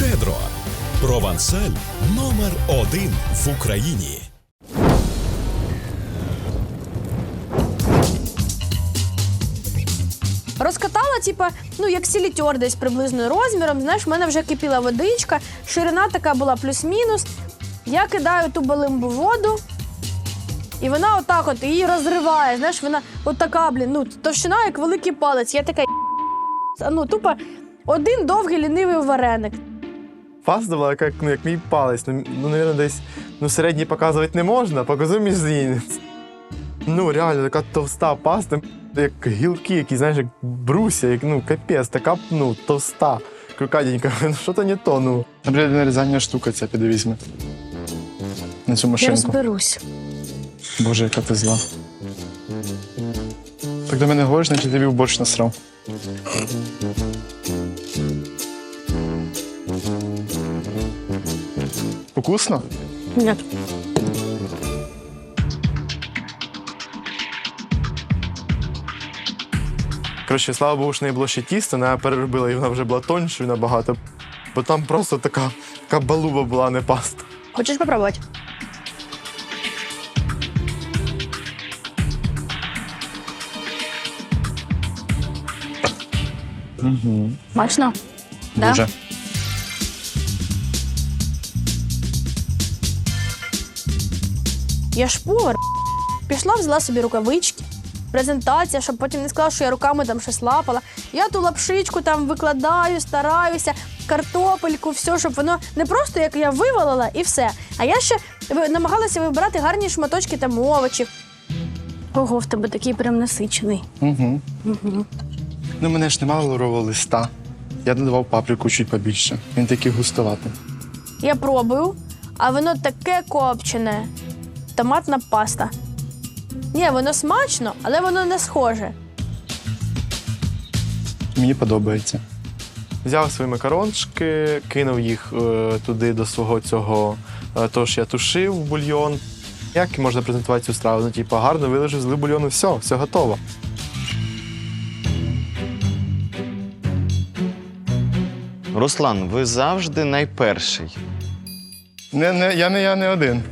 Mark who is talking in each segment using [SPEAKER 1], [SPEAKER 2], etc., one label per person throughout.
[SPEAKER 1] Щедро. Провансаль номер 1 в Україні.
[SPEAKER 2] Розкатала, типа, ну, як сілітьор десь приблизно розміром. Знаєш, в мене вже кипіла водичка, ширина така була плюс-мінус. Я кидаю ту балимбу в воду, і вона отак от її розриває. Знаєш, вона от така, ну, товщина, як великий палець. Я така, ну, тупо один довгий лінивий вареник.
[SPEAKER 3] Паста була як мій палець. Ну, мабуть, десь середній показувати не можна, показую мізинець. Ну, реально, така товста паста, як гілки, які, знаєш, як бруся, як, ну, капець, така, ну, товста, крокатенька. Ну, що то не то, ну.
[SPEAKER 4] Наприклад, нарізання штука ця піде візьме. На цю
[SPEAKER 2] Я
[SPEAKER 4] машинку.
[SPEAKER 2] розберусь.
[SPEAKER 4] Боже, яка ти зла. Так до мене говориш, значить тобі в борщ насрав. Вкусно?
[SPEAKER 2] Ні.
[SPEAKER 3] Коротше, слава Богу, що не було ще тіста, вона переробила, і вона вже була тоншою набагато. Бо там просто така балуба була, не паста.
[SPEAKER 2] Хочеш попробувати? Смачно?
[SPEAKER 4] Дуже.
[SPEAKER 2] Я ж повар. Пішла, взяла собі рукавички, презентація, щоб потім не сказала, що я руками там щось лапала. Я ту лапшичку там викладаю, стараюся, картопельку, все, щоб воно не просто, як я вивалила і все. А я ще намагалася вибирати гарні шматочки там овочів. Ого, в тебе такий прям насичений.
[SPEAKER 4] Угу. Ну, мене ж немає лаврового листа. Я додавав паприку чуть побільше. Він такий густоватий.
[SPEAKER 2] Я пробую, а воно таке копчене. Томатна паста. Ні, воно смачно, але воно не схоже.
[SPEAKER 4] Мені подобається.
[SPEAKER 3] Взяв свої макарончики, кинув їх туди до свого цього, того, що я тушив в бульйон. Як можна презентувати цю страву? Ну, типу, гарно виложив, злив бульйон і все готово.
[SPEAKER 5] Руслан, ви завжди найперший.
[SPEAKER 4] Я не один.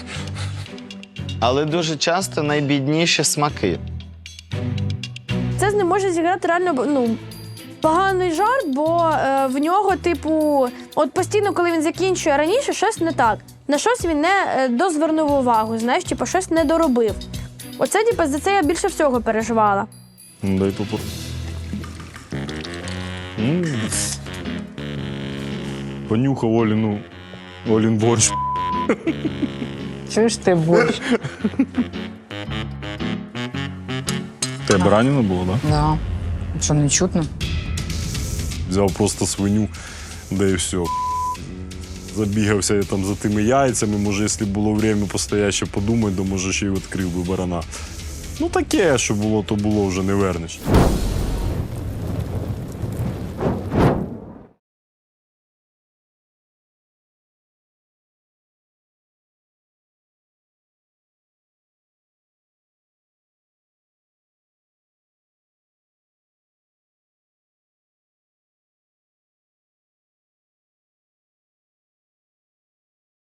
[SPEAKER 5] Але дуже часто найбідніші смаки.
[SPEAKER 2] Це з ним може зіграти реально, ну, поганий жарт, бо в нього, типу, от постійно, коли він закінчує раніше, щось не так. На щось він не дозвернув увагу, знаєш, типу, щось не доробив. Оце, типу, за це я більше всього переживала.
[SPEAKER 6] Дай попу. Понюхав Олін борщ.
[SPEAKER 7] Чуєш ти борщ?
[SPEAKER 6] Тебе ранено було, так?
[SPEAKER 7] Да. Що, не чутно?
[SPEAKER 6] Взяв просто свиню, да і все. Забігався я там за тими яйцями, може, якщо було время постояти, ще подумати, то може ще й відкрив би барана. Ну таке, що було, то було, вже не вернеш.